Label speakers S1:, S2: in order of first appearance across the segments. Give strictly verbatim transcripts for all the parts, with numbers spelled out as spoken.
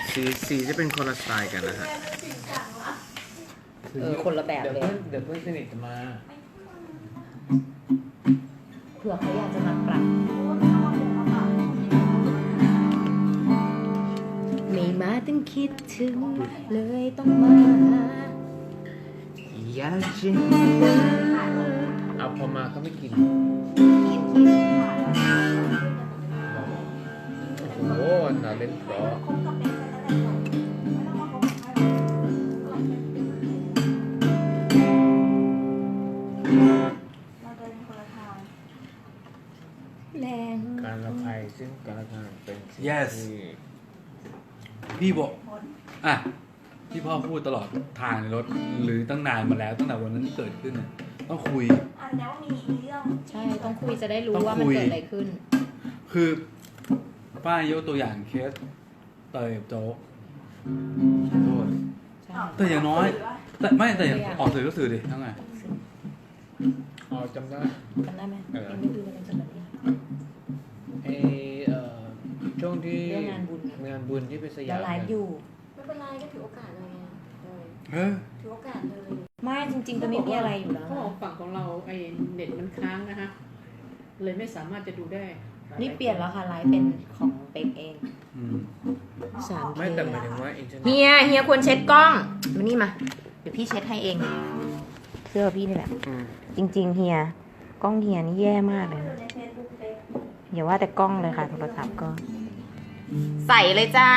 S1: สีสีจะเป็นคนละสไตล์กันนะฮะ
S2: เออคนละแบบเลย
S1: เดี๋ยวเพื่อนสนิทจะมา
S2: เผื่อเขาอยากจะมาปรับไม่มาต้องคิดถึงเลยต้องมา
S1: อยากจะเอาพอมาเขาไม่กินโอ้โหน่าเล่นเพราะ
S2: แรง
S1: การละภัยซึ่งการละทางเป็นสิ่ง
S3: yes
S1: ที่
S3: พี่บอกอ่ะที่พ่อพูดตลอดทางในรถหรือตั้งนานมาแล้วตั้งแต่วันนั้นที่เกิดขึ้นน่ะต้องคุย
S4: อ่านแล้วมีมีเรื่อง
S2: ใช่ต้องคุยจะได้รู้
S3: ต้อง
S2: ว่ามัน
S3: คุย
S2: เกิดอะไรขึ้น
S3: คือป้ายกตัวอย่างเคสเตยกับโจ๊กขอโทษ
S2: ใช่
S3: แต่อย่างน้อย แต่ไม่แต่อย่าง
S2: ตัวอย่าง
S3: ออกสื่อก็สื่อดิทั้งไง
S1: อ๋อจำได้
S2: จำได้ไหม
S1: เออ
S2: ยังไม่ดูกันจนแบบนี้
S1: ไอเอ่อช่วงที่
S2: เรื่องงานบุญ
S1: งานบุญที่ไปส
S2: แล้
S1: ยาว ม
S2: ไลฟ์อยู่
S4: ไม่เป็นไรก็ถือโอกาสเลยไงเออ
S3: เออ
S4: ถือโอกาสเลย
S2: ไม่จริงๆก็ไม่มีอะไรอยู่แล้ว
S5: เขาบอกฝั่งของเราไอ้เน็ตมันค้างนะฮะ เลยไม่สามารถจะดูได้
S2: นี่เปลี่ยนแล้วค่ะไลฟ์เป็นของเป็กเอง
S3: อืม
S2: สามเค
S1: ไม่แต่หมายถึงว่าอินเทอร์เน็ต
S2: เฮียเฮียควรเช็ดกล้องมานี่มาเดี๋ยวพี่เช็ดให้เองเสื้อพี่นี่แหละ
S1: อืม
S2: จริงๆเฮียกล้องเฮียนี่แย่มากเลยนะ
S4: ในเฟซบุ๊กเฟซ
S2: อย่าว่าแต่กล้องเลยค่ะโทรศัพท์ก็ ใส่เลยจ้า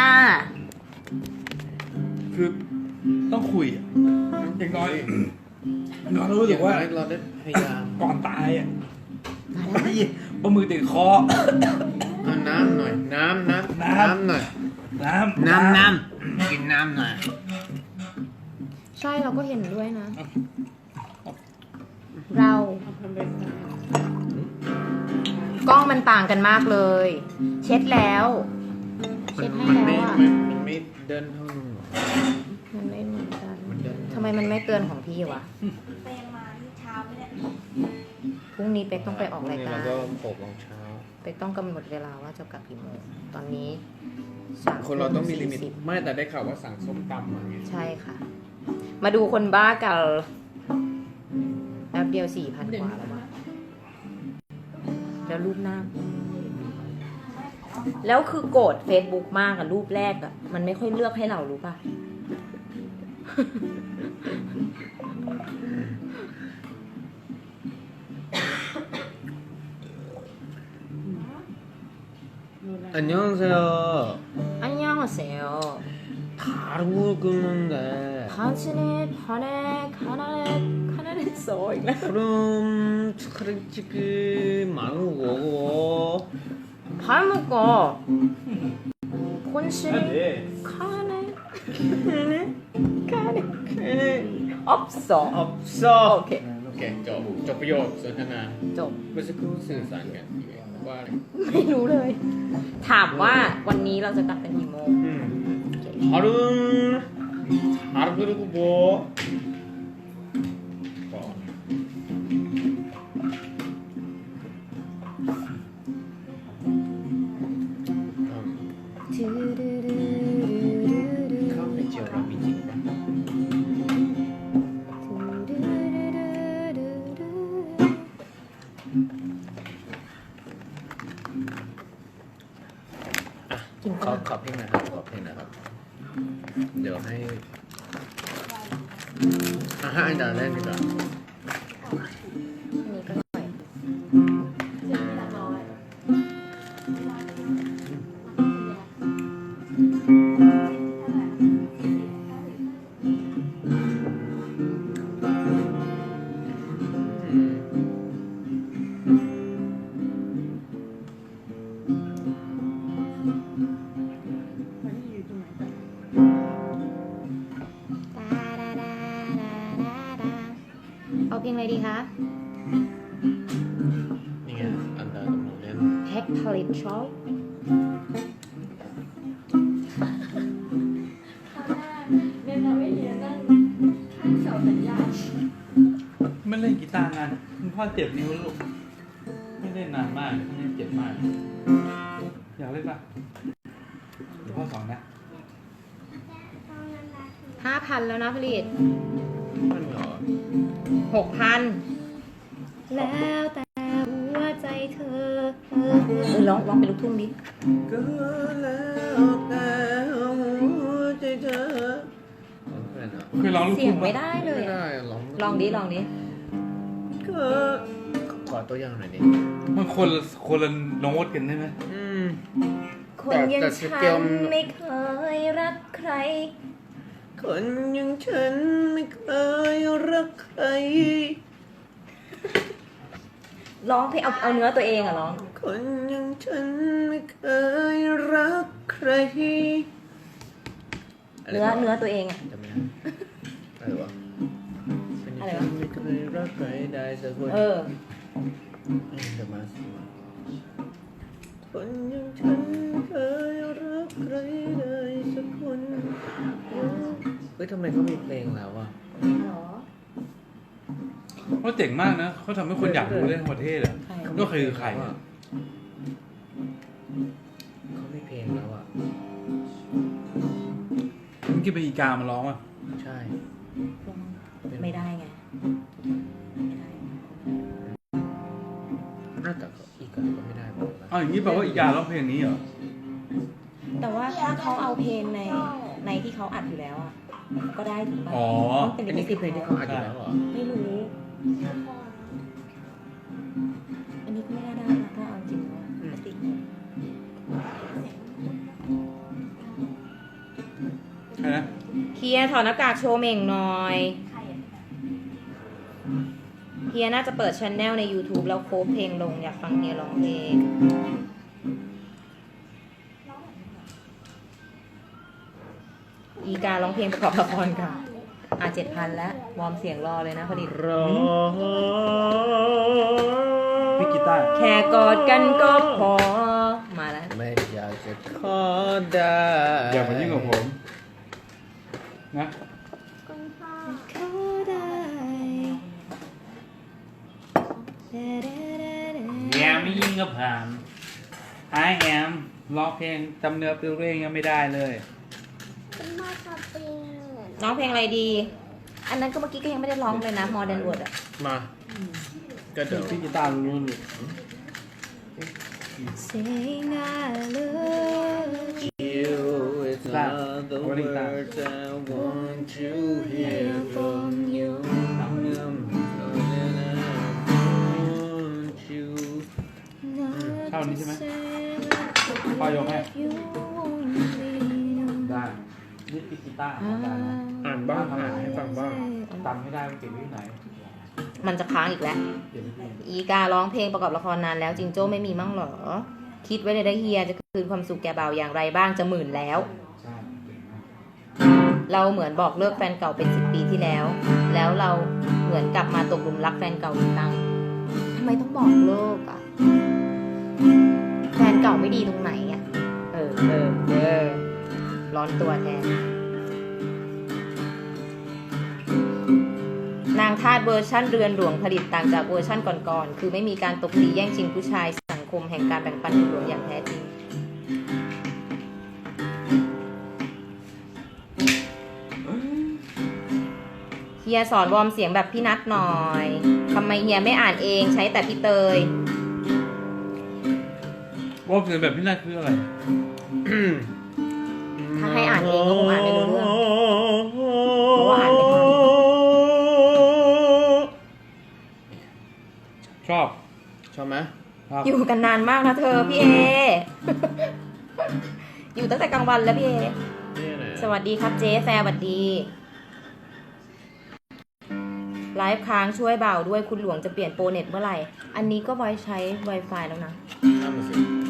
S3: คือต้องคุยอะอย่างน้อยอย่างน้อยรู้สึกว่า
S1: เราได้พยายาม
S3: ก่อนตายอ่ะไอ้ปลามือติดคอ
S1: เอาน้ำหน่อย น้ำน้ำ
S3: น้ำ
S1: น้ำหน่อย
S3: น้ำ
S1: น้ำน้ำกินน้ำหน่อย
S2: ใช่เราก็เห็นด้วยนะ เรา
S5: เอาทำเป็น
S2: กล้องมันต่างกันมากเลย เช็ดแล้ว
S1: มั
S2: เช็ดให้
S1: มัน
S2: แล้
S1: ไม่
S2: วอ่ะ
S1: มันมันไม่เดินเท่านู้นหรอ
S2: มันไม่เหมือนกัน
S1: มันเดิน
S2: ทำไมมันไม่เตือนของพี่วะ
S4: ไปยังมาที่เช้าไม่ได้
S2: พรุ่งนี้เป็กต้องไปออกรายการ
S1: พรุ่งนี้เราก็หกโมงเช้า
S2: เป็กต้องกำหนดเวลาว่าจะกลับกี่โมงตอนนี้สาม
S1: คนเราต้องมีลิมิต
S2: สี่สิบ
S1: ไม่แต่ได้ข่าวว่าสั่งส้มตำมาไง
S2: ใช่ค่ะ มาดูคนบ้ากันแป๊บเดียวสี่พันกว่าแล้วมั้งแล้วรูปหน้า แล้วคือโกรธ Facebook มากอะรูปแรกอะมันไม่ค่อยเลือกให้เรารู้ป่ะ
S1: อันยองเซล
S2: อันยังเซล
S1: ทารุกุนเด
S2: พันชเนตพันเนคานาเนคานาเนโซอีกแล้ว
S1: 그럼 스크래치크 망고
S2: พันมุกโกคนชเนคานาเนคานาเนอัพสอง
S1: 없어
S2: โอเค
S1: โอเคจบจบประโยคสนทนา
S2: จบ
S1: เมื่อสักครู่สื่อสารกันว่าอะไร
S2: ไม่รู้เลย ถามว่าวันนี้เราจะกลับกันกี่โมง
S1: อืม하루하루 그리고 뭐 뭐. 음, 카운트 지어라 미지.
S2: กิน
S1: ข
S2: ข้า
S1: อ
S2: ว
S1: ขอเพลงหนะครับขอเพลงหนะครับ เดี๋ยวให้อ่ะให้อันดาเล่นดีกว่า
S2: อันนี้ก็หน่อย
S4: เจ็ดแปดร้อย
S1: อืม
S5: มันอยู่ตรงไหนกัน
S2: เอาเพลงอะไรดีคะ
S1: นี่ไงอันดากำลังเล่น
S2: แพ็คผลิตช็อป
S4: คราวหน้าเรียนเราไม่เรียนนั่งข้างเสาสัญญาณ
S3: ไม่เล่นกีตาร์นานคุณพ่อเจ็บนิ้วลูกไม่เล่นนานมากไม่เล่นเจ็บมาก อยากเล่นปะเดี๋ยวพ่อสอนนะ
S2: ห้าพันแล้วนะผลิต
S1: มันเหรอ
S2: หกพันแล้วแต่หัวใจเธอเออเออร้องร้องเป็นลูกทุ่งดิ
S1: ก็แล้วแต่หัวใจเธอร้องเป็นเหรอ
S3: เคยร้องลูก
S2: เสีย
S3: ทุ่
S2: ง
S3: ง
S2: ไม่
S3: ปะ
S2: ได้เลย
S1: ไม่
S2: อะ
S1: ได้ร้อง
S2: ลองดิลองดิ
S1: ก็ขอตัวอย่างหน่อยดิ
S3: มันคนละคนละโน้ตกันได้ไหม
S1: อืม
S2: คนอยัง
S1: แต่ส
S2: ฉั
S1: เกล
S2: นไม่เคยรักใคร
S1: คนอย่างฉันไม่เคยรักใคร
S2: ร้องเพลงเอาเอาเนื้อตัวเองอะร้อง
S1: คนอย่างฉันไม่เคยรักใคร
S2: เนื้อเนื้อตัวเองอะ
S1: จำไม่ได้อะไรวะ
S2: อะไรวะ
S1: ไม่เคยรักใครได้สักคน
S2: เออ
S1: เดี๋ยวมาสิคนอย่างฉันไม่เคยรักใครได้สักคนเฮ้ยทำไมเขามีเพลงแล้วอ่ะ
S3: เขาเจ๋งมากนะเขาทำให้คนอยากรู้เรื่องประเทศอ่ะ
S2: ใคร
S3: ก็คือใคร
S1: อ่ะเขามีเพลงแล้วอ่ะ
S3: เมื่อกี้เป็นอีกามาร้องอ่ะ
S1: ใช่
S2: ไม่ได้ไงไม่ได้
S1: น่าแต่อีกอันก็ไม่ได้บอกนะ
S3: อ้าวอย่างนี้แปลว่าอีการ้องเพลงนี้เหรอ
S2: แต่ว่าถ้าเขาเอาเพลงในในที่เขาอัดอยู่แล้วอะก็ได้ถูกป่ะ
S3: อ๋อ
S2: ต้องเป็น
S1: อันนี้คือเพลงที่เขาอัดอยู่แล้วเหรอ
S2: ไม่รู้ อันนี้ก็ไม่น่าได้นะถ้าเอาจริงแล้วอะไม่ติด
S3: ใช่นะ
S2: เฮียถอดหน้ากากโชว์เหม่งหน่อยเฮียน่าจะเปิดช anel ใน YouTube แล้วโคฟเพลงลงอยากฟังเฮียร้องเพลง อีการร้องเพลงประกอบละครค่ะ อ่ะเจ็ดพันแล้ววอร์มเสียงรอเลยนะพอดี
S1: รอ
S3: พี่กีตาร์
S2: แค่กอดกันก็พอ มาแล้ว
S1: ไม่อยากจะขอได้
S3: อย่ามายุ่งกับผมนะ
S2: ขอได้
S3: แยมไม่ยิ่งกับผ่านไอแอมร้องเพลงจำเนื้อเพลงยังไม่ได้เลย
S2: ร้องเพลงอะไรดี อันนั้นก็เมื่อกี้ก็ยังไม่ได้ร้องเลยนะ Modern World อะ
S1: มาก็เดี๋ยว
S3: พี่กีตาร์รู้ๆ
S2: Saying I love
S1: you it's
S3: That.
S1: all the
S3: Rolling that.
S1: words I want to hear from you want you
S3: เข้านี้ใช่ไหม พ่อยกให้ ได้นี่พี่กีตาร์ของได้นะ
S1: อ่านบ้างอ่านให้ฟังบ้าง
S3: จำไม่ได้มันเก็บไว้ที่ไหน
S2: มันจะค้างอีกแล้ว
S3: เก็บไว้ที่ไหน
S2: อีการ้องเพลงประกอบละครนานแล้วจิงโจ้ไม่มีมั่งเหรอ คิดไว้เลยได้เฮียจะคืนความสุขแก่บ่าวอย่างไรบ้างจะหมื่นแล้ว
S3: ใช่เก่งมาก
S2: เราเหมือนบอกเลิกแฟนเก่าเป็นสิบปีที่แล้ว แล้วเราเหมือนกลับมาตกหลุมรักแฟนเก่าอีกครั้งทำไมต้องบอกเลิกอ่ะ แฟนเก่าไม่ดีตรงไหนอ่ะ เออเออเออร้อนตัวแทน นางทาสเวอร์ชั่นเรือนหลวงผลิตต่างจากเวอร์ชั่นก่อนๆ คือไม่มีการตบตีแย่งชิงผู้ชายสังคมแห่งการแบ่งปันคุณหลวงอย่างแท้จริง เฮียสอนวอร์มเสียงแบบพี่นัทหน่อยทำไมเฮียไม่อ่านเองใช้แต่พี่เตย
S3: ว่าเพลงแบบพี่นาคืออะไร
S2: ถ้าให้อ่านเองก็คงอ่านไม่รู้เรื่อง เพราะว่าอ่านไม่ทัน
S3: ชอบ
S1: ชอบไหม
S3: ครับ
S2: อยู่กันนานมากนะเธอพี่เอ อยู่ตั้งแต่กลางวันแล้วพี่เอ
S1: นี่ไหน
S2: สวัสดีครับเจ๊แฟร์สวัสดี ไลฟ์ค้างช่วยเบาด้วยคุณหลวงจะเปลี่ยนโปรเน็ตเมื่อไหร่ อันนี้ก็ไว้ใช้ Wi-Fi แล้วนะ
S1: ข้ามมาสิ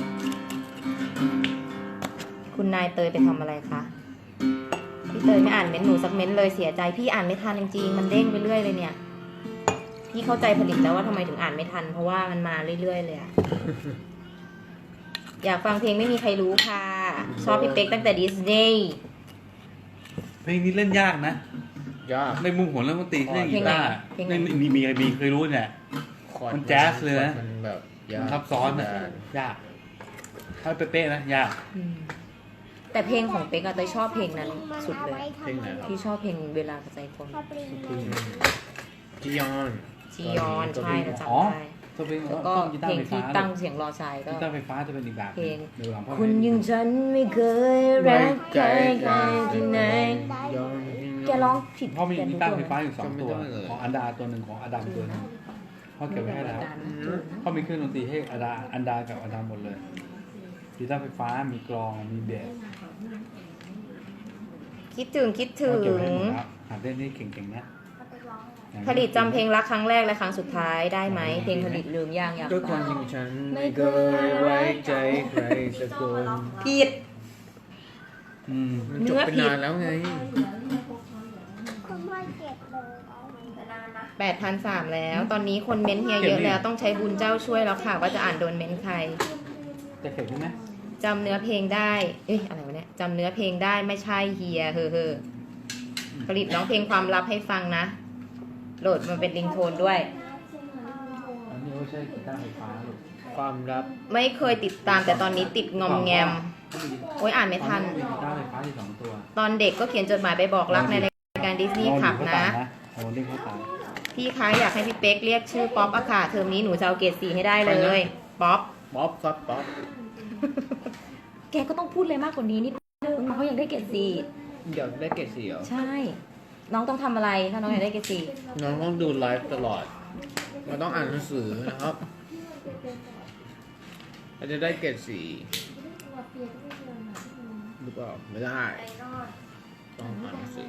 S2: คุณนายเตยไปทำอะไรคะ พี่เตยไม่อ่านเม้นต์หนูสักเม้นต์เลยเสียใจ พี่อ่านไม่ทันจริงๆมันเด้งไปเรื่อยเลยเนี่ย พี่เข้าใจผลิตแล้วว่าทำไมถึงอ่านไม่ทัน เพราะว่ามันมาเรื่อยๆเลยอะ อยากฟังเพลงไม่มีใครรู้ค่ะ ชอบพี่เป๊กตั้งแต่ดิสนีย์
S3: เพลงนี้เล่นยากนะ
S1: ยาก
S3: ในมุมของเรื่องดนตรีเล่นกีตาร์
S2: เพลงไหน
S3: ในมีมีใครมีเคยรู้เนี่ย
S1: คอร์ด
S3: มันแจ๊สเลยนะ
S1: มันแบบยาก
S3: ซับซ้อนนะยาก ถ้าเป๊ะๆนะยาก
S2: อืมแต่เพลงของเป๊กอะเตยชอบเพลงนั้นสุดเลย
S1: เพลงไหนครับ
S2: ที่ชอบเพลงเวลาใจคน
S1: จียอน
S2: จียอนใช่เราจำ
S3: อ๋อ
S2: ได้
S3: ตัวเพลง
S2: แล้วก็
S3: กี
S2: เพ
S3: ตา
S2: ล
S3: ร์
S2: ง
S3: ไฟฟ้า
S2: ที่ตั้งเสียงรอชายก็
S3: กีตาร์ไฟฟ้าจะเป็นอีกแบบ
S2: เพลง
S3: เดี๋ยวหลังพ่อ
S2: คุณยังฉันไม่เคยรักใครกันที่ไหน
S1: ยอน
S2: แกร้องผิด
S3: พ่อมี
S2: แก
S3: กี
S2: รู้
S3: ตาร์
S2: ตัว
S3: ไฟ
S2: ไหม
S3: ฟ้าอยู่สองตัว
S1: จำไม่ได้เลย
S3: ของอันดาตัวหนึ่งของอดัมตัวหนึงพ่อเก็บไว้ให้แล้วพ่อมีเครื่องดนตรีให้อันดาอันดากับอดัมหมดเลยกีตาร์ไฟฟ้ามีกลองมีเบส
S2: คิดถึงคิดถึ
S3: พ่อเก็บ
S2: ง
S3: ไว้ให้หมดแล้วหัดเล่นนี่เก่งๆนะ
S2: ผลิตจำเพลงรักครั้งแรกและครั้งสุดท้ายได้ไหมเพลงผลิตลืมยังอยาก
S1: ก็ค
S2: ฟั
S1: น
S2: ง
S1: อย่างฉันไม่เคยไว้ใจใครสักคน
S2: ผิด
S3: อืม
S1: มันจบไปนานแล้วไง
S2: แปดพันสามแล้ว ตอนนี้คนเม้นต์เฮียเยอะแล้วต้องใช้บุญเจ้าช่วยแล้วค่ะว่าจะอ่านโดนเม้นต์ใคร
S3: จะเก็บใช่ไหม
S2: จำเนื้อเพลงได้เอ้ยอะไรวะเนี่ยจำเนื้อเพลงได้ไม่ใช่เฮียเฮ้อเฮ้อผลิตร้องเพลงความลับให้ฟังนะโหลดมันเป็นลิงโทนด้วย
S3: อันนี้ไม่ใช่กีตาร์ไฟฟ้าหรอก
S1: ความลับ
S2: ไม่เคยติดตามแต่ตอนนี้ติดงอมแงมโอ้ยอ่านไม่ทัน
S3: มีกีตาร์ไฟฟ้าที่สองตัว
S2: ตอนเด็กก็เขียนจดหมายไปบอกรักในรายการดิสนีย์ขับนะ
S3: โอ้เล่นเข้าตา
S2: พี่คะอยากให้พี่เป๊กเรียกชื่อป๊อปอะค่ะเทอมนี้หนูจะเอาเกรดสี่ให้ได้เลย ป๊อป
S1: ป๊อปครับป๊อป
S2: แกก็ต้องพูดเลยมากกว่านี้นิดนึงเขาอยากได้เกรดสี่
S1: เดี๋ยวได้เกรดสี่เหรอ
S2: ใช่ น้องต้องทำอะไรถ้าน้องอยากได้เกรดสี่
S1: น้องต้องดูไลฟ์ตลอดเราต้องอ่านหนังสือนะครับเราจะได้เกรดสี่หรือเปล่าไม่ได้ต้องอ่านหนังสือ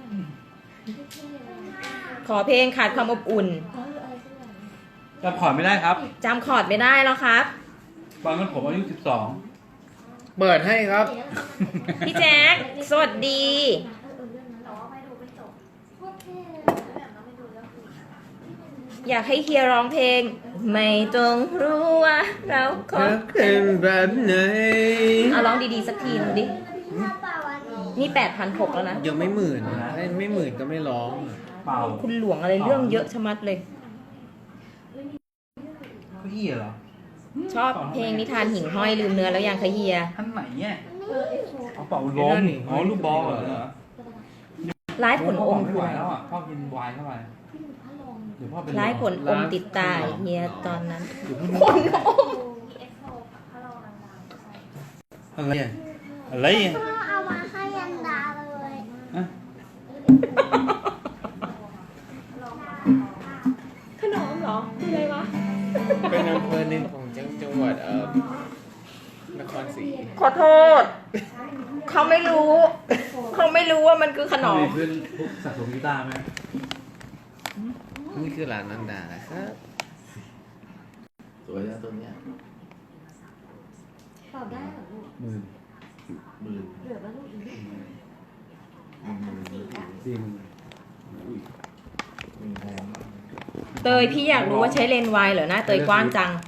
S2: ขอเพลงขาดความอบอุ่น
S3: จำขอร์ดไม่ได้ครับ
S2: จำคอร์ดไม่ได้แล้วครับ
S3: ตอนนั้นผมอายุสิบสอง
S1: เปิดให้ครับ
S2: พี่แจ๊คสวัสดี อยากให้เฮียร้องเพลง ไม่ต้องรู้ว่าเราค
S1: เธอบ เป็นแบบไหน
S2: เอาร้องดีๆสักทีหนึงดิ นี่แปดพันหกแล้วนะ
S1: ยังไม่หมื่นนะถ้าไม่หมื่นก็ไม่ร้อง
S3: เปล่า
S2: คุณหลวงอะไรเรื่องเยอะชะมัดเลย
S3: เขาเหี้ยเหรอ
S2: ชอบเพลงนิทานหิ่งห้อยลืมเนื้อแล้วยังคะเฮีย
S3: ท่านไหนเนี่ยเอาเป่าลมอ๋อลูกบอลเหรอ
S2: ร้ายผลอม
S3: ไม่ไหวแล้วอ่ะพ่อกินไวน์เข้าไปเดี๋ยวพ่อเป็น
S2: ร้ายผลอมติดตาเฮียตอนนั้น
S3: เดี๋ยวพ่อ
S2: ผลอม
S3: อะไรอ่ะอะไรอ่ะ
S6: พ่อเอามาให้ยันดาเลย
S3: อะ
S2: ขนมเหรอคืออะไรวะ
S1: เป็นอำเภอหนึ่งของจังจังหวัดเอ่อนครศรี
S2: ขอโทษ เขาไม่รู้ เขาไม่รู้ว่ามันคือขนม
S3: มีเพื่อนพวกสะสมกีตาร์ไหม
S1: นี่คือร้านนันดานะครับ
S7: สวยนะตัวเนี้ย
S4: ตอบได้เหรอลูก
S3: หมื่น
S7: หมื่น
S4: เหลือแล้วลูกอีก
S7: หนึ่งหมื่นหรือ
S3: สี่หมื่น
S7: อุ้ยหมื่นแพงมาก
S2: เตยพี่อยากรู้ว่าใช้เลนส์วายเหรอหน้าเตยกว้างจัง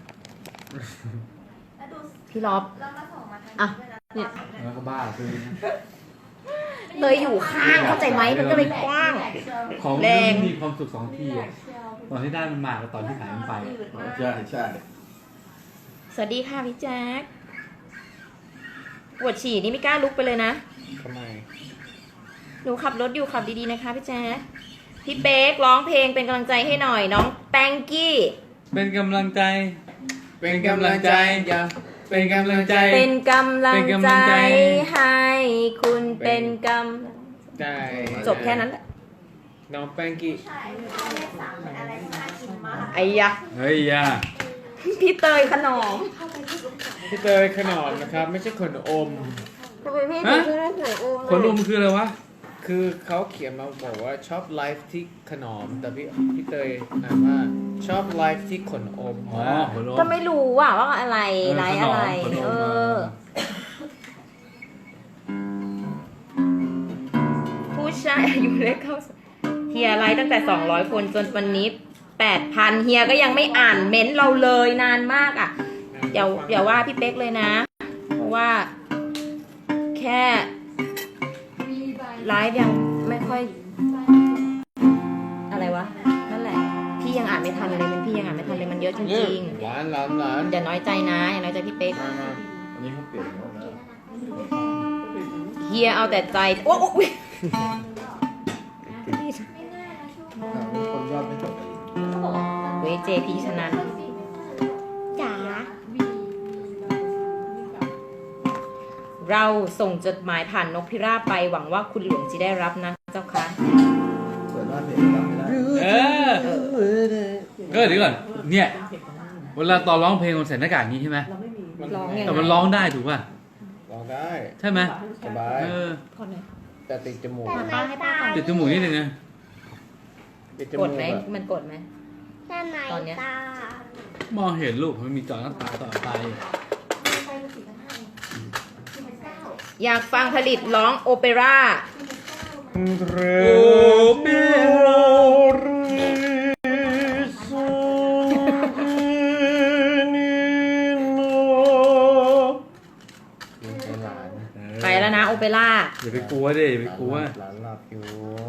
S2: พี่ล็อบอ่ะเนี่ย
S3: แล้วก็บ้าซื้อนะ
S2: เตยอยู่ข้างเข้าใจไหมมันก็เลยกว้าง
S3: ของ
S2: แรง
S3: มันมีความสุขสองที่อ่ะตอนที่ได้มันมากับตอนที่ขายมันไป
S7: ใช่ใช่
S2: สวัสดีค่ะพี่แจ๊คปวดฉี่นี่ไม่กล้าลุกไปเลยนะ
S1: ทำไม
S2: หนูขับรถอยู่ขับดีๆนะคะพี่แจ๊คพี่เป๊กร้องเพลงเป็นกำลังใจให้หน่อยน้องแป้งกี้
S3: เป็นกำลังใจ
S1: เป็นกำลังใจอย่า
S3: เป็นกำลังใจ
S2: เป็นกำลัง
S3: เป็นกำลั
S2: ใจ
S3: งใจ
S2: ให้คุณเป็นก
S1: ได้
S2: ำจบแค่นั้นแหละ
S1: น้องแป้งกี้
S2: ไอ้ยะ
S3: เฮ้ยย่า
S2: พี่เตยขนม
S1: พี่เตยขนมนะครับ ไม่ใช่ขนอม
S2: ทำไมพี่
S3: ฮะ
S2: ถึงได้หวยโอม
S3: คนรุมคืออะไรวะ
S1: คือเขาเขียนมาบอกว่าชอบไลฟ์ที่ขนม แต่พี่พี่เตยอ่านว่าชอบไลฟ์ที่ขนอม
S3: อ๋อ
S1: มาก
S3: คนรุม
S2: ก็ไม่รู้ว่าว่าอะไร
S3: เออ
S2: ไรอะไร
S3: ขนมขนม
S2: เออ ผู้ชายอายุเล็กเข้าเฮียไลฟ์ตั้งแต่สองร้อยคนจนวันนี้แปดพันเฮียก็ยังไม่อ่านเม้นต์เราเลยนานมากอ่ะอย่าอย่าว่าพี่เป๊กเลยนะ เพราะว่า แค่ไลฟ์ยังไม่ค่อย อะไรวะ นั่นแหละ พี่ยังอ่านไม่ทันเลยเป็นพี่ยังอ่านไม่ทันเลยมันเยอะจริง
S1: หวานหลานหลาน
S2: ๆอย่าน้อยใจนะอย่าน้อยใจพี่เป๊ก
S1: มามา
S7: อันนี้เขาเปลี่ยนแล้วนะ
S2: เฮียเอาแต่ใจโอ้โห
S4: ไม่ง่ายนะช่วง
S7: คนยอดไม่จบ
S4: เขาบอกว่า
S2: เวเจพีชนะ
S6: จ๋า
S4: วี
S2: เราส่งจดหมายผ่านนกพิราบไปหวังว่าคุณหลวงจะได้รับนะเจ้าค่ะ
S7: เปิดว่าเพลงรับไม่ได้
S3: เออก็เดี๋ยวก่อนเนี่ยเวลาตอนร้องเพลงมันใส่หน้ากากอย่างนี้ใช่ไหม
S5: เราไม่มี
S2: ร้องยัง
S3: แต่
S2: ไง
S3: มันร้องได้ถูกป่ะ
S7: ลองได้
S3: ใช่ไหม
S7: สบาย
S3: เออ
S5: คนไหน
S7: แต่ติดจมูก
S6: แต่ในตา
S3: ติดจมูกนิดนึงนะ
S7: ติดจ
S2: ก
S7: มู
S2: ด
S7: ก
S2: ไหม
S7: อะ
S2: มันกดไหม
S6: แต่ใน
S2: ตอนเนี้ย
S6: ตา
S3: มองเห็นลูกมันมีจอหน้าตาต่อไป
S4: มีไปเป็นสี่พันห้าสี่พันเก้า
S2: อยากฟังผลิตร้องโอเปร่า
S4: สี่พันเก้า
S7: เร
S3: โอ้เปโร
S7: ไอ้หลาน
S2: ไปแล้วนะโอเปร่า
S3: อย่าไปกลัวดิอย่าไปกลัว
S7: หลานหลับอยู่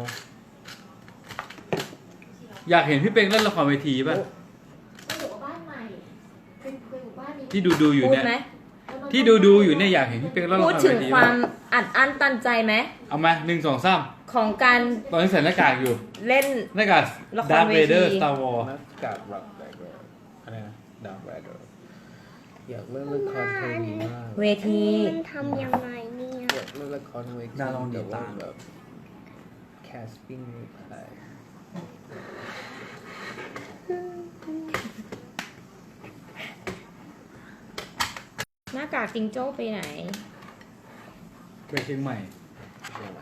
S3: อยากเห็นพี่เป็งเล่นละครเวทีป่ะ
S4: ไปอยู่กับบ้านใหม่เป็นไปอยู่บ้านนี้
S3: ที่ดูดูๆอยู่
S2: พูด
S3: เนี่ย
S2: ไหม
S3: ที่ดูดูๆอยู่เนี่ยอยากเห็นพี่เป็งเล่นละ
S2: พู
S3: ค
S2: ด
S3: ร
S2: ถึ
S3: เว
S2: ง
S3: ที
S2: ควา
S3: ป่ะ
S2: มอัดอั้นตันใจไหม
S3: เอามาหนึ่งสองสาม
S2: ของการ
S3: ตอนนี้ใส่หน้ากากอยู่
S2: เล่น
S3: หน้ากาก
S2: ละคร
S3: ดาร์
S2: เว
S3: เว
S2: ที
S3: เดอร์สตาร์วอร์
S7: นักกาดรักแบเกอร์อะไรนะดาร์กแบเกอร์อยากเล่นละครเพลงนี้มาก
S2: เวที
S6: มันทำยังไงเนี่ย
S7: อยากเล่นละครเวที
S3: น่าลองดี
S7: แต่ว่า
S3: ตาม
S7: แบบแคสติ้งไม่ได้
S2: หน้ากากจิงโจ้ไปไหน
S3: ไปเชียงใหม่
S7: เชียงใหม่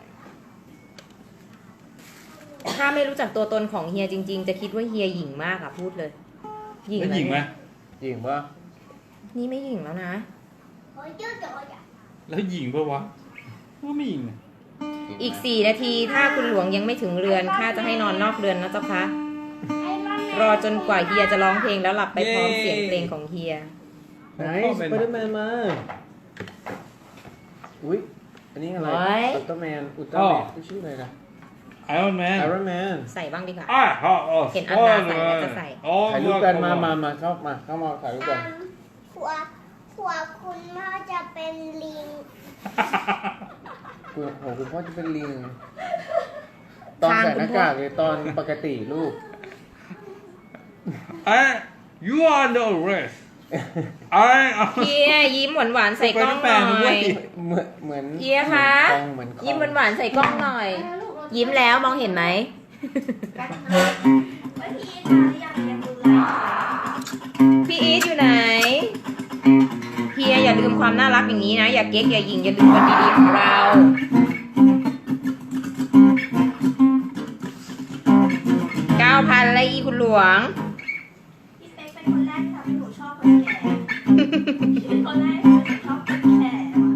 S2: ถ้าไม่รู้จักตัวตนของเฮียจริง ๆ จะคิดว่าเฮียหยิ่งมากอะพูดเลย
S3: แล้วหญิงไหม
S7: จริงปะ
S2: นี่ไม่หยิ่งแล้วนะ
S6: โอ้ยเจ้าจ๋อยอะ
S3: แล้วหญิงปะวะก็ไม่หญิงนะ
S2: อีกสี่นาทีถ้าคุณหลวงยังไม่ถึงเรือนข้าจะให้นอนนอกเรือนนะเจ้าคะ
S6: ไอ้มัน
S2: รอจนกว่าเฮียจะร้องเพลงแล้วหลับไปพร้อมเสียงเพลงของเฮีย
S7: ไหนสไปเดอร์แมนมา อุ้ย อันนี้อะไร
S2: โอ้ย
S7: อุลตร้าแมน อุลตร้าแมนชื่ออะไรนะ
S3: ไอรอนแมน
S7: ไอรอนแมน
S2: ใส่บ้างดีกว่า
S3: อ่ะฮะ
S2: เห็นอันนาใส่แล้วจะใส่
S7: ถ่ายรูปกันมามามาเข้ามา เข้ามาถ่ายรูปกัน
S6: หัวหัวคุณพ่อจะเป็นลิง
S7: คุณโอ้คุณพ่อจะเป็นลิง ตอนใส่หน้ากากเลยตอนปกติลูก
S3: ไอ้ you are under arrest ไอ้
S2: เฮียยิ้มหวานๆใส่กล้องหน่
S3: ไป
S2: อ
S3: แปลงด้วย
S2: ย
S7: เหมือนเหมือน
S2: เฮียคะ
S7: เหมือนคอง
S2: ยิ้มหวานๆใส่กล้องหน่อย
S4: แล้วลูกเรา
S2: ยิ้มแล้วมองเห็นไหม
S4: กันนะว่าพี่มาหรือยังยังดูแล
S2: พี่อีทอยู่ไหนเฮียอย่าลืมความน่ารักอย่างนี้นะ อย่าเก๊กอย่าหยิงอย่าลืมวันดีๆของเราเก้าพันแล้วอีคุณหลวง
S4: พี่เป๊กเป็นคนแรกที่ทำให้หนูชอบคนแก่เป็นคนแรกที่หนูชอบคนแก่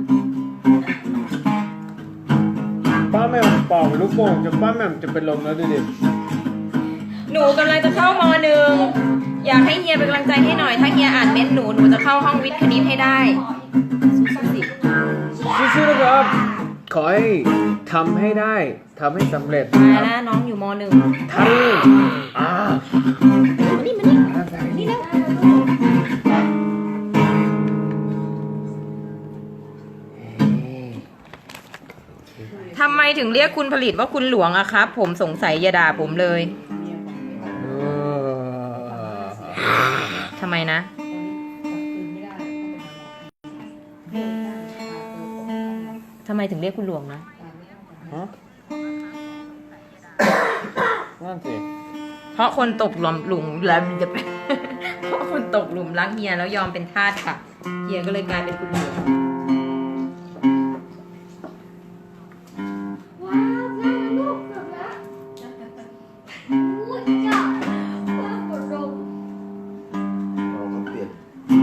S7: ป้าแหม่มปอกลูกโป่งจนป้าแหม่มจะเป็นลมแล้วดูดิ
S2: หนูกำลังจะเข้ามหนึ่งอยากให้เฮียเป็นกำลังใจให้หน่อย ถ้าเฮียอ่านเม้นต์หนูหนูจะเข้าห้องวิทย์คณิตให้ได้สู้ๆสิ
S7: สู้ๆนะครับ ขอให้ทำให้ได้ทำให้สำเร็จ
S2: มาแล้วน้องอยู่มหนึ่ง
S7: ทำอ่า
S2: มานี่มานี่
S7: อ่าใส่นี่นะ
S2: ทำไมถึงเรียกคุณผลิตว่าคุณหลวงอะครับ ผมสงสัยอย่าด่าผมเลย
S5: เมียของไม่ได้
S7: เออ
S2: ทำไมนะ
S5: คืนไม่ได้ต้องไปหาหมอ
S2: ทำไมถึงเรียกคุณหลวงนะ
S7: ฮะนั่นสิ
S2: เพราะคนตกหลุมหลุมแล้วจะ เพราะคนตกหลุมรักเฮียแล้วยอมเป็นทาสค่ะเฮียก็เลยกลายเป็นคุณหลวง
S4: ว้าวได้แล้วลูกเกือบแล้วอู้ยจ้าว้าวกดลง
S7: เราก็เปลี่ยน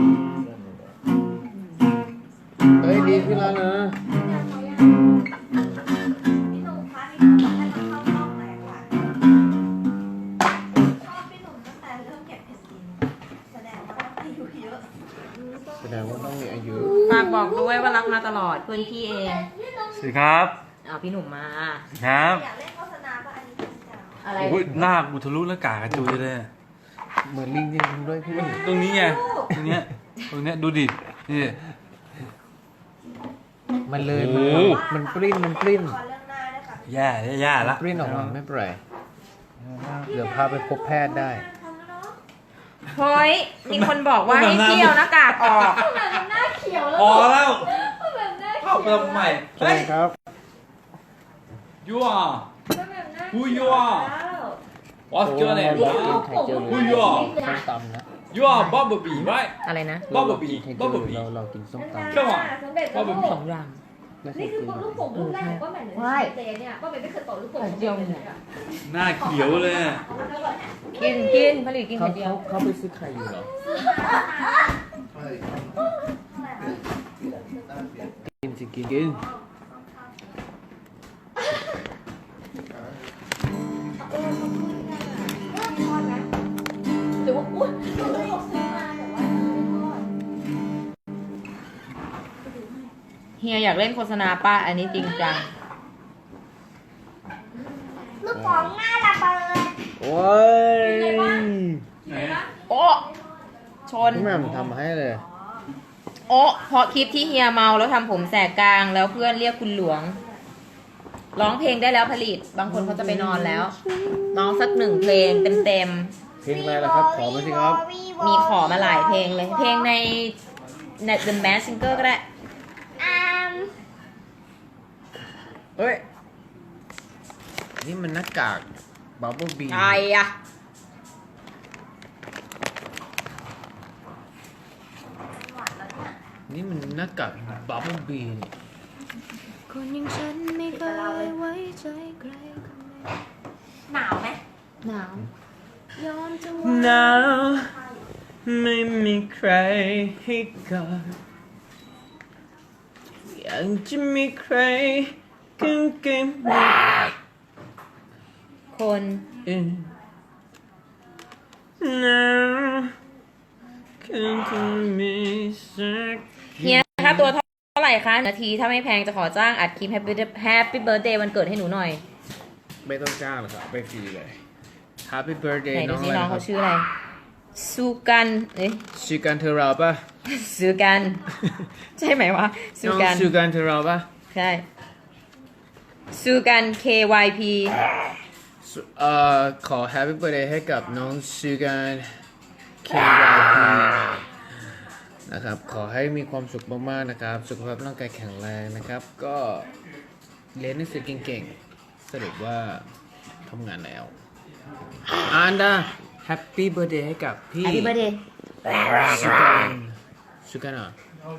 S7: เฮ้ยดีขึ้นแล้วนะ
S4: ยังเขายังพี่หนุ่มคะพี่หนุ่มให้มาเข้ารอบไหนคะชอบพี่หนุ่มตั้งแต่เริ่มเก็บเพชรกินแสดงว่าต้องอายุเยอะ
S7: แสดงว่าต้องมีอายุ
S2: ฝากบอกด้วยว่ารักมาตลอดเพื่อนพี่เอง
S3: สวัสดีครับ
S2: เอาพี่หนุ่มมา
S3: ครับ
S4: อยากเล่นโฆษณาป่ะอันนี้จริงจัง
S2: อะไร
S3: โอ้ยหน้ากูทะลุหน้ากากกระจุยเลย
S7: เหมือนลิงจริงๆด้วยพี่
S3: ตรงนี้ไงตรงเนี้ยตรงเนี้ยดูดินี่
S7: ไม่
S1: มันเลย
S3: โอ้
S1: มัน
S3: โห
S1: มันปริ้นมันปริ้น
S4: ขอเรื่องหน้าด้วยค่ะ
S3: แย่แย่ละ
S1: ปริ้นออกมาไม่เป็นไรเดี๋ยวพาไปพบแพทย์ได้
S4: ทำแล้วเนาะ
S2: เฮ้ย มีคนบอกว่าให้เที่ยวหน้ากากออก
S4: แบบหน้าเขียวแล้ว
S3: พอแล้ว
S4: แบบหน้า
S3: เข้าไปทำไม
S1: ใช่ครับ
S3: ยูอ่ะ
S4: แบบหน้า
S3: Who
S4: เขี
S3: you
S4: ยว
S3: are
S4: แล้ว
S3: What's your
S1: เรา
S3: name
S1: กินไข่เจียวหรือ
S3: Who you are
S1: ส้มตำนะ
S3: You are Bumblebee right
S2: อะไรนะ
S1: เรา
S3: Bumblebee
S1: กินไข่เจียวหรือ
S3: Bumblebee
S1: เราเรากินส้มตำ
S3: Come on
S4: สำเร็จแล้วลูก
S2: สองอย่าง
S1: ไม่เค
S4: นี่
S1: ย
S4: คือ
S1: กิน
S4: ลูกโป่งลูกแรกของป้าแหม่มเลยนะเจเนี่ยป้าแหม่มไม่เคยเป่าลูกโป่ง
S2: ไข่เจียวเนี่ย
S3: หน้าเขียวเลยอะ
S2: กินกินผลิตกิน
S1: เขา
S2: ไข่เจีย
S1: เขา
S2: ว
S1: เขาไปซื้อไข่อยู่เหรอกินสิกินกิน
S4: หรือว่าอุ้ยหรือว่าเขาซื้อมาแต่ว่าไม่ทอด
S2: เฮียอยากเล่นโฆษณาป้าอันนี้จริงจัง
S6: ลูกของหน้าระเบิด
S1: โอ้ย
S3: ไหน
S2: โอ้ชน
S1: พี่แหม่มทำให้เลย
S2: โอ้เพราะคลิปที่เฮียเมาแล้วทำผมแสกกลางแล้วเพื่อนเรียกคุณหลวง ร้องเพลงได้แล้วผลิต บางคนเขาจะไปนอนแล้ว น้องสักหนึ่งเพลงเต็ม
S1: เพลงอะไรล่ะครับ ขอมาสิครับ
S2: ๆ มีขอมาหลายเพลงเลย เพลงในใน The Mask Singer ก็ได้
S6: อาม
S1: เฮ้ย นี่มันหน้ากากบับเบิ้ลบี
S2: ใครอะ
S1: นี่มันหน้ากากบับเบิ้ลบีนี่
S2: คนอย่างฉันไม่เคยไว้ใจใคร
S4: หนาวไหม
S2: หนาวย
S4: อมจะ
S1: หนาวไม่มีใครให้กอดอยากจะมีใครกังเกง
S2: คน
S1: อื่นหนาวคือคนมีสัก
S2: เฮียค่าตัวเท่าไหร่คะ นาทีถ้าไม่แพงจะขอจ้างอัดคลิป Happy Happy Birthday วันเกิดให้หนูหน่อย
S1: ไม่ต้องจ้างหรอกครับไปฟรีเลย Happy birthday
S2: ไหน
S1: น้
S2: ดู
S1: อง
S2: สิ
S1: อะไร
S2: น้อง
S1: ครั
S2: เขา
S1: บ
S2: ชื่ออะไรซูกันเอ้ย
S1: ชื่อกันเทอราป่ะ
S2: ซูกัน ใช่ไหมวะซู
S1: น้อง
S2: กัน
S1: ชื่อกันเทอราป่ะ
S2: ใช่ซูกัน K Y P
S1: เอ่อขอ Happy birthday ให้กับน้องชื่อกัน เค วาย พี นะครับ ขอให้มีความสุขมากๆนะครับ สุขภาพร่างกายแข็งแรงนะครับ ก็เรียนหนังสือเก่งๆ สรุปว่าทำงานแล้วอันดา Happy birthday ให้กับพี่
S2: Happy Birthday
S1: สุกันสุกันอ่ะ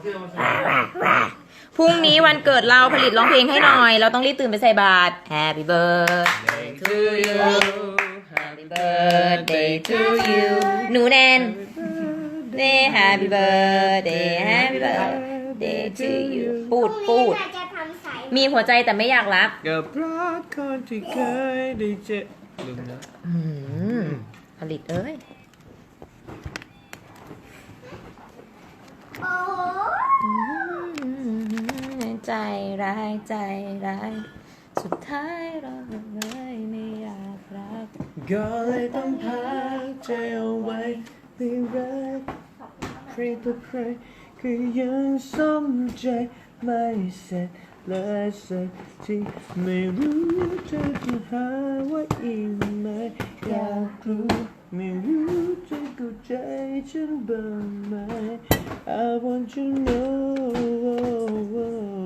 S2: พรุ่งนี้วันเกิดเราผลิตร้องเพลงให้หน่อย เราต้องรีบตื่นไปใส่บาตร Happy Birthday to you Happy Birthday to you หนูแนน Happy Birthday Happy Birthday to you ปูดปูด
S6: พรุ่งนี้น่าจะทำสาย
S2: มีหัวใจแต่ไม่อยากรับ
S1: กับรักคนที่เคยได้เจอลืมนะ
S2: อืมผลิตเอ้ย
S6: โอ้โห
S2: ใจร้ายใจร้าย สุดท้ายเราเลยไม่อยากรัก
S1: ก็เลยต้องพักใจเอาไว้ไม่รักใครต่อใครก็ยังสมใจไม่เสร็จเลยสักทีไม่รู้เธอจะหาว่าอีกไหมอยากรู้ไม่รู้จะเข้าใจฉันบ้างไหม I want to know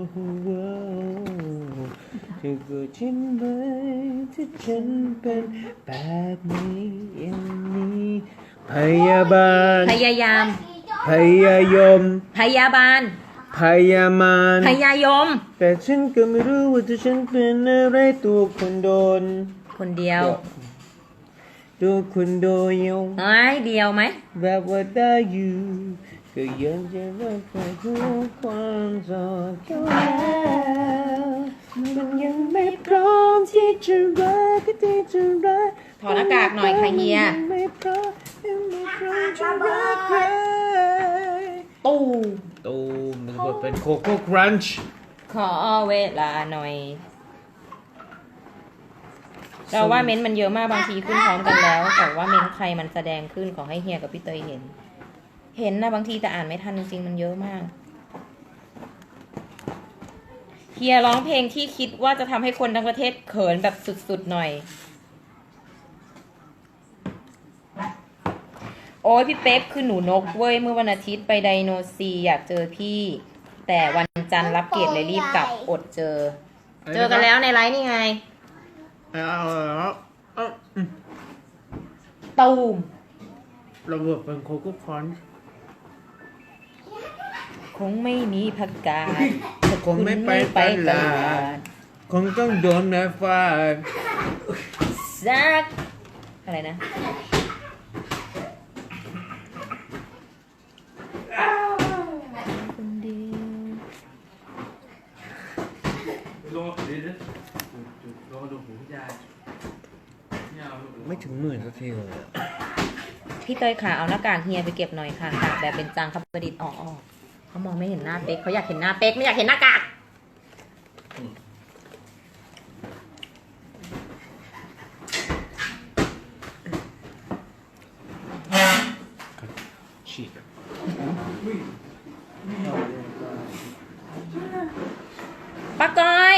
S1: เธอก็ใช่ไหมที่ฉันเป็นแบบนี้อย่างนี้พยาบาล
S2: พยายาม
S1: พยายม
S2: พยาบาล
S1: พยามาน
S2: พยายม
S1: แต่ฉันก็ไม่รู้ว่าถ้าฉันเป็นอะไรตัวคนโดน
S2: คนเดียว
S1: ตัวคนโดนยง
S2: เอ้ยเดียวไหม
S1: แบบว่าได้อยู่ก็ยังจะรักใครทุกความสอดเข้าแล้วมันยังไม่พร้อมที่จะรักก็ที่จะรัก
S2: ถอดหน้ากากหน่อยค่ะเฮีย
S1: งไม่พร้อมยังไม่พร้อมจะรักใคร
S2: ตู้
S1: ตูมมันก็เป็นโคโค่ครันช์
S2: ขอเวลาหน่อย เราว่าเม้นต์มันเยอะมากบางทีขึ้นพร้อมกันแล้ว แต่ว่าเม้นต์ใครมันแสดงขึ้นขอให้เฮียกับพี่เตยเห็น เห็นนะบางทีแต่อ่านไม่ทันจริงๆมันเยอะมากเฮียร้องเพลงที่คิดว่าจะทำให้คนทั้งประเทศเขินแบบสุดๆหน่อย โอ้ยพี่เป๊กคือหนูนกเว้ยเมื่อวันอาทิตย์ไปไดโนซีอยากเจอพี่ แต่วันจันทร์รับเกรดเลยรีบกลับอดเจอ เจอกันแล้วในไลฟ์นี่ไง
S7: เอาแล้วเอาอืม
S2: ตูม
S7: ระเบิดเป็นโคโค่คอน
S2: คงไม่มีผักกาด
S7: คงไม่ไปตลาดคงต้องโดนนะฟาด
S2: ซักอะไรนะ คนเดียว
S3: ลงมาดูดิลงมาดูหูพี่ยายเนี่ยเอาลูก
S7: ไม่ถึงหมื่นสักทีเลยอะ
S2: พี่เตยขาเอาหน้ากากเฮียไปเก็บหน่อยค่ะตากแบบเป็นจังครับประดิษฐ์ออกออกเขามองไม่เห็นหน้าเป๊กเขาอยากเห็นหน้าเป๊กไม่อยากเห็นหน้ากาก
S3: ฉีก
S2: ป้าก้อย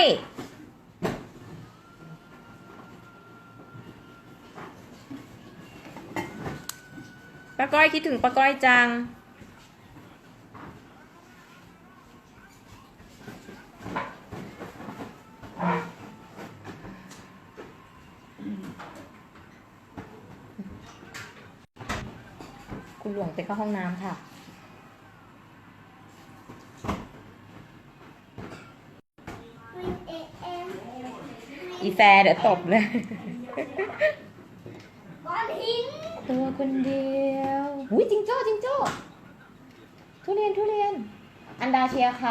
S2: ป้าก้อยคิดถึงป้าก้อยจังคุณหลวงไปเข้าห้องน้ำค่ะ อีแฟร์เดี๋ยวตบเลย
S6: ก้อนหิน
S2: ตัวคนเดียวอุ้ยจิงโจ้จิงโจ้ทุเรียนทุเรียน อันดาเชียร์ใคร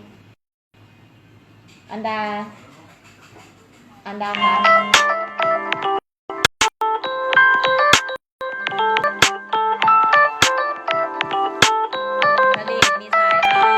S2: อันดา อันดาครับผลิตมีสายเข้า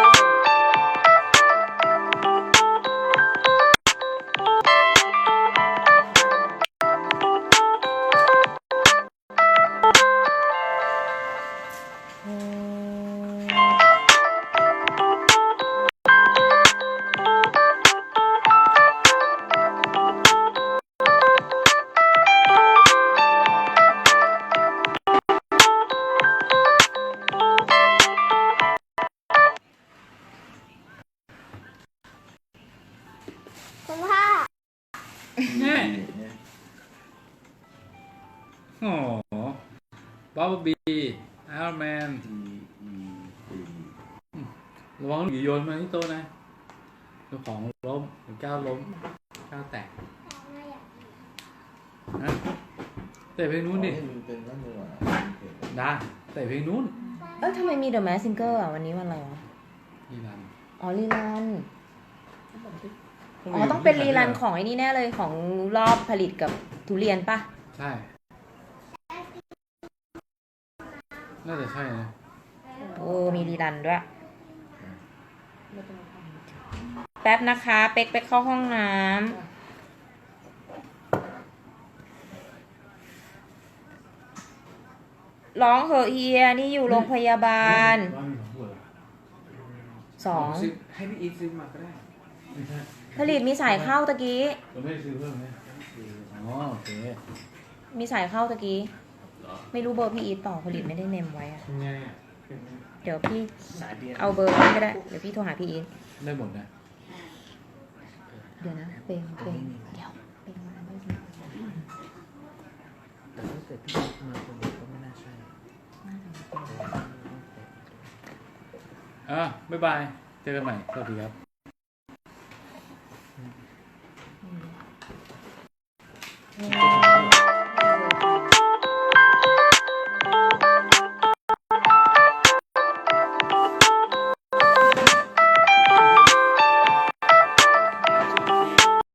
S6: คุณพ่อ
S3: เนี่ยโอ้โหบ๊อบบี้ไอรอนแมนระวังหนีโยนมาที่โต๊ะนะเจ้าของล้มหรือก้าวล้มก้าวแตกนะเตะเพลงนู้นดิได้เตะเพลงนู้น
S2: เอ้ยทำไมมีเดอะแมสซิงเกอร์อ่ะวันนี้วันอะไรวะ
S3: นี่รัน
S2: อ๋อรีรัน อ๋อต้องเป็นรีรันของไอ้นี่แน่เลยของรอบผลิตกับทุเรียนปะ
S3: ใช่น่าจะใช่นะ
S2: โอ้มีรีรันด้วย แป๊บนะคะ เป๊กไปเข้าห้องน้ำร้องเหอะเฮียนี่อยู่โรงพยาบาลสอง
S7: ให้พี่อีทซื้อมาก็ได้
S2: ผลิตมีสายเข้าตะกี้
S3: เราไม่ได้ซื้อเพิ่มไหมอ๋อโอเค
S2: มีสายเข้าตะกี้ ไม่รู้เบอร์พี่อีทเปล่าผลิตไม่ได้เนมไว้อะ
S7: ทำไงอ่ะ
S2: เดี๋ยวพี่
S7: สายเดียว
S2: เอาเบอร์พี่ก็ได้ เดี๋ยวพี่โทรหาพี่อีท
S3: ได้หมดนะ
S2: เดี๋ยวนะเปงเปงเดี๋ยวเปงมาไม่ดี
S7: แต่ถ้าเกิดพี่มาคนเดียวก็ไม่น่าใช่
S3: อ่ะบ๊ายบาย เจอกันใหม่ สวัสดีครับ
S2: อืม